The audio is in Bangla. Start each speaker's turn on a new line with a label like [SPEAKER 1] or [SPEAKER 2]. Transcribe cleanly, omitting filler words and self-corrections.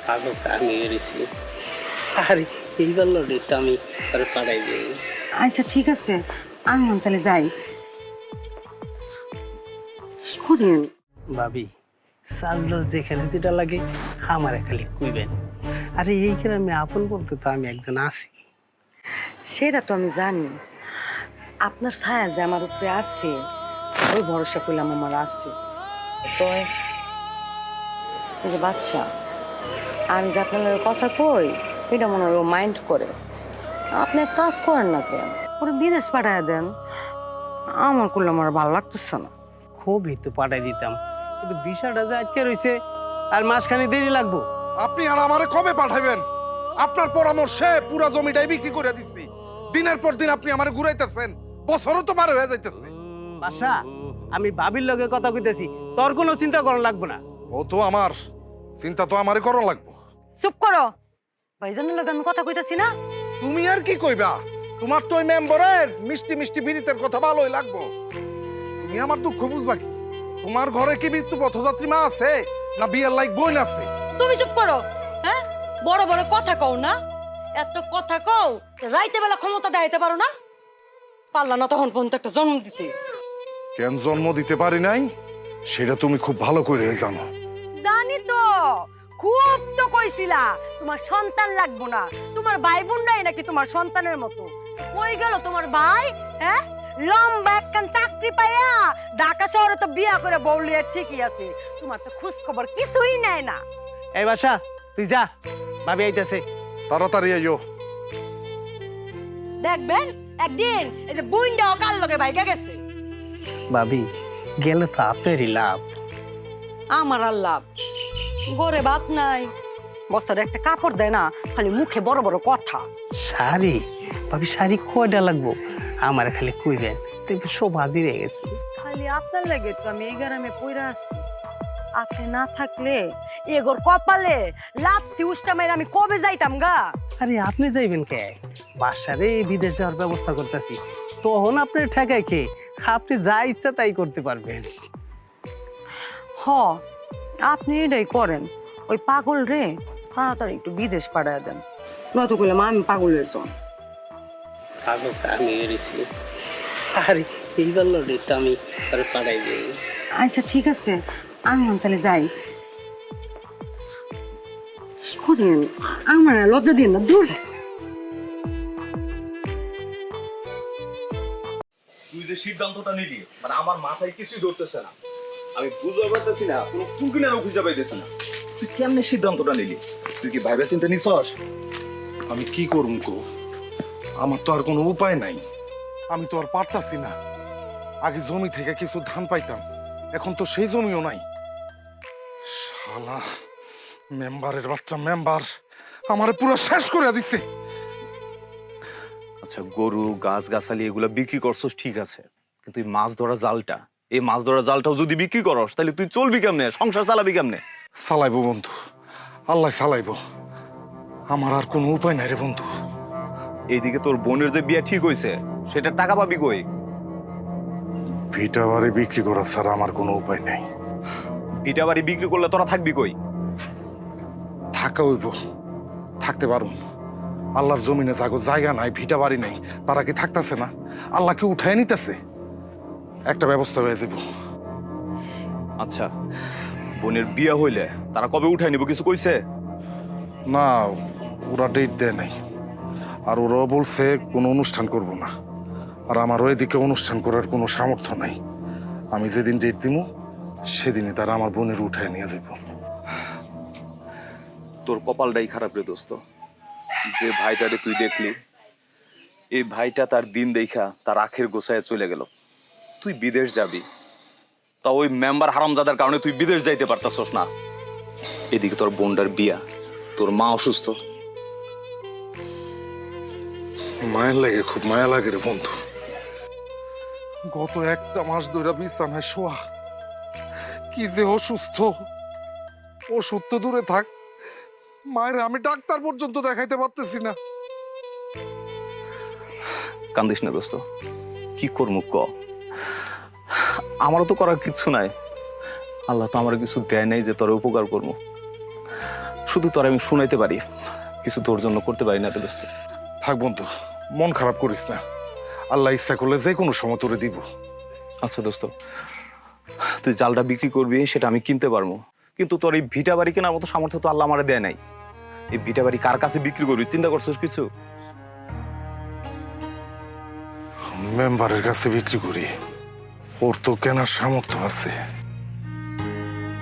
[SPEAKER 1] পাগল আমি এসেছি আর এইবার লড়ে তো আমি আরে পাড়াই যাই।
[SPEAKER 2] আচ্ছা ঠিক আছে, আমি তাহলে যাই। কি করেন?
[SPEAKER 1] ভাবি চাল যেখানে যেটা লাগে আমারে খালি কুইবেন। আরে এই গ্রামে আপন বলতে তো আমি একজন আছি।
[SPEAKER 2] সেটা তো আমি জানি, আপনার ছায়া যে আমার উপরে আছে ওই ভরসা করলাম আমার আছে। তো এই যে বাচ্চা, আমি যে আপনার লগে কথা কই এটা মনে হয় ও মাইন্ড করে। আপনি এক কাজ করেন না কেন, ওরে বিদেশ পাঠায় দেন। আমার করলে আমার ভালো লাগতেছে না।
[SPEAKER 1] খুবই তো পাঠাই দিতাম, কিন্তু বিষয়টা যে আটকে রয়েছে আর মাসখানে দেরি লাগবো।
[SPEAKER 3] আপনি আর আমারে কবে পাঠাবেন? আপনার পরামর্শে পুরা জমিটাই বিক্রি করে দিছি। দিনের পর দিন আপনি আমারে ঘুরাইতেছেন, বছরও তো পার হয়ে যাইতেছে।
[SPEAKER 1] বাসা আমি ভাবির লগে কথা কইতেছি, তোর কোনো চিন্তা করা লাগবে না।
[SPEAKER 3] ও তো আমার চিন্তা তো আমারে করা লাগবো।
[SPEAKER 2] চুপ করো, ভাইজানের লগে আমি কথা কইতাছি না।
[SPEAKER 3] তুমি আর কি কইবা? তোমার তো ওই মেম্বারের মিষ্টি মিষ্টি বিড়িতের কথা ভালোই লাগবো। তুমি আমার দুঃখ বুঝবা কি? তোমার ঘরে কি মৃত্যু পথযাত্রী মা আছে না বিয়ের লাইক বোন আছে?
[SPEAKER 4] তুমি চুপ করো। হ্যাঁ, বড় বড় কথা কও না, এত কথা কও রাইতে বেলা ক্ষমতা দেখাইতে পারো না? পারলা না তখন পর্যন্ত একটা জন্ম দিতে।
[SPEAKER 3] কেন জন্ম দিতে পারি নাই সেটা তুমি খুব ভালো করে জানো।
[SPEAKER 4] জানি তো, খুব তো কইছিলা তোমার সন্তান লাগবো না, তোমার ভাই বোনরাই নাকি তোমার সন্তানের মতো। কই গেল তোমার ভাই? হ্যাঁ, লম্বা একখান চাকরি পাইয়া ঢাকা শহরে তো বিয়া করে বউলিয়া ঠিকই আছে, তোমার তো খোঁজ খবর কিছুই নেয় না।
[SPEAKER 1] এই বাসা তুই যা, ভাবি আইতাছে।
[SPEAKER 3] তাড়াতাড়ি আইও।
[SPEAKER 4] দেখবেন একদিন এই যে বুইন্ডা কাল লগে ভাইগা গেছে।
[SPEAKER 1] ভাবি গেলে তো আপনারই লাভ।
[SPEAKER 4] আমার আর লাভ, ঘরে ভাত নাই, বস্তার একটা কাপড় দেয় না, খালি মুখে বড় বড় কথা।
[SPEAKER 1] শাড়ি ভাবি, শাড়ি কয়টা লাগবো আমার খালি কুইবেন, দেখবি সব হাজির হয়ে গেছে।
[SPEAKER 4] খালি আপনার লাগে তো আমি এই গ্রামে পইরা আছি। আপনি না থাকলে এগোর কপালে লাথি উষ্টা মেরে আমি কবে যাইতাম গা।
[SPEAKER 1] আরে আপনি যাইবেন কে? বাসারে বিদেশ যাওয়ার ব্যবস্থা করতেছি, তখন আপনার ঠেকায় খেয়ে আপনি যা ইচ্ছা তাই করতে পারবেন।
[SPEAKER 2] হ, আপনি এটাই করেন। ওই পাগল রে তাড়াতাড়ি একটু বিদেশ পাঠায় দেন, নয়তো করলাম আমি পাগলের জন।
[SPEAKER 1] পাগল আমি এসেছি আর এইবার লড়ে তো আমি আরে পাড়াই যাই।
[SPEAKER 2] আচ্ছা ঠিক আছে, আমি তাহলে যাই। কি করেন? আমার আর লজ্জা দিন না, দূর।
[SPEAKER 5] তুই যে সিদ্ধান্তটা নিলি মানে আমার মাথায় কিছুই ধরতেছে না। আমি বুঝতে পারতেছি না, কোনো কুকিনারও খুঁজে পাইতেছে না। তুই কেমনে সিদ্ধান্তটা নিলি? তুই কি ভাইবা চিন্তা নিছস?
[SPEAKER 3] আমি কি করুম কো? আমার তো আর কোনো উপায় নাই। আমি তো আর পারতাছি না। আগে জমি থেকে কিছু ধান পাইতাম, এখন তো সেই জমিও নাই। শালা মেম্বারের বাচ্চা মেম্বার আমারে পুরো শেষ করে দিছে।
[SPEAKER 5] আচ্ছা, গরু গাছ গাছালি এগুলা বিক্রি করছস ঠিক আছে, কিন্তু এই মাছ ধরা জালটা, এই মাছ ধরা জালটাও যদি বিক্রি করস তাহলে তুই চলবি কেমনে, সংসার চালাবি কেমনে?
[SPEAKER 3] চালাইবো বন্ধু, আল্লাহ চালাইবো। আমার আর কোনো উপায় নাই রে বন্ধু।
[SPEAKER 5] এইদিকে তোর বোনের যে বিয়ে ঠিক হইছে সেটা টাকা পাবি কই?
[SPEAKER 3] ভিটা বাড়ি বিক্রি করা ছাড়া আমার কোনো উপায় নেই।
[SPEAKER 5] ভিটা বাড়ি বিক্রি করলে তোরা থাকবি কই?
[SPEAKER 3] থাকা হইব, থাকতে পারো। আল্লাহর জমিনে যাগো জায়গা নাই, ভিটা বাড়ি নাই, তারা কি থাকতেছে না? আল্লাহ কি উঠায় নিতেছে? একটা ব্যবস্থা হয়ে যাব।
[SPEAKER 5] আচ্ছা, বোনের বিয়ে হইলে তারা কবে উঠাই নিব কিছু কইছে?
[SPEAKER 3] না, ওরা ডেট দেয় নাই। আর ওরাও বলছে কোনো অনুষ্ঠান করব না। আর আমার ওইদিকে অনুষ্ঠান করার কোনো সামর্থ্য নাই। আমি যেদিন ডেট দিব সেদিনই তারা আমার বোনের উঠায় নিয়ে যাব।
[SPEAKER 5] তোর কপালটাই খারাপ রে দোস্ত, যে ভাইটারে তুই দেখলি এই ভাইটা তার দিন দেখা তার আখের গোছায় চলে গেল। তুই বিদেশ যাবি, তা ওই মেম্বার হারামজাদার কারণে তুই বিদেশ যাইতে পারতাছস না। এদিকে তোর বোনটার বিয়া, তোর মা অসুস্থ।
[SPEAKER 3] মায়ের লাগে, খুব মায়া লাগে রে বন্ধু। গত একটা মাস ধরে বিছানায় শোয়া, কি যে অসুস্থ। ওষুধ তো দূরে থাক, মায়ের আমি ডাক্তার পর্যন্ত দেখাইতে পারতেছি না।
[SPEAKER 5] কান্দিস না দোস্ত, কি করবো ক? আমারও তো করার কিছু নাই। আল্লাহ তো আমার কিছু দেয় নাই যে তোর উপকার করবো। শুধু তোর আমি শুনাইতে পারি, কিছু তোর জন্য করতে পারি না রে দোস্ত।
[SPEAKER 3] থাক বন্ধু, মন খারাপ করিস না। আল্লাহ ইচ্ছা করলে যে কোনো সময় তোরে দিব।
[SPEAKER 5] আচ্ছা দোস্ত, তুই জালটা বিক্রি করবি সেটা আমি কিনতে পারবো, কিন্তু তোর এই ভিটা বাড়ি কেনার মতো সামর্থ্য তো আল্লাহ আমারে দেয় নাই। এই ভিটা বাড়ি কার কাছে বিক্রি করবি চিন্তা করছিস কিছু?
[SPEAKER 3] মেম্বারের কাছে বিক্রি করি, ওর তো কেনার সামর্থ্য আছে।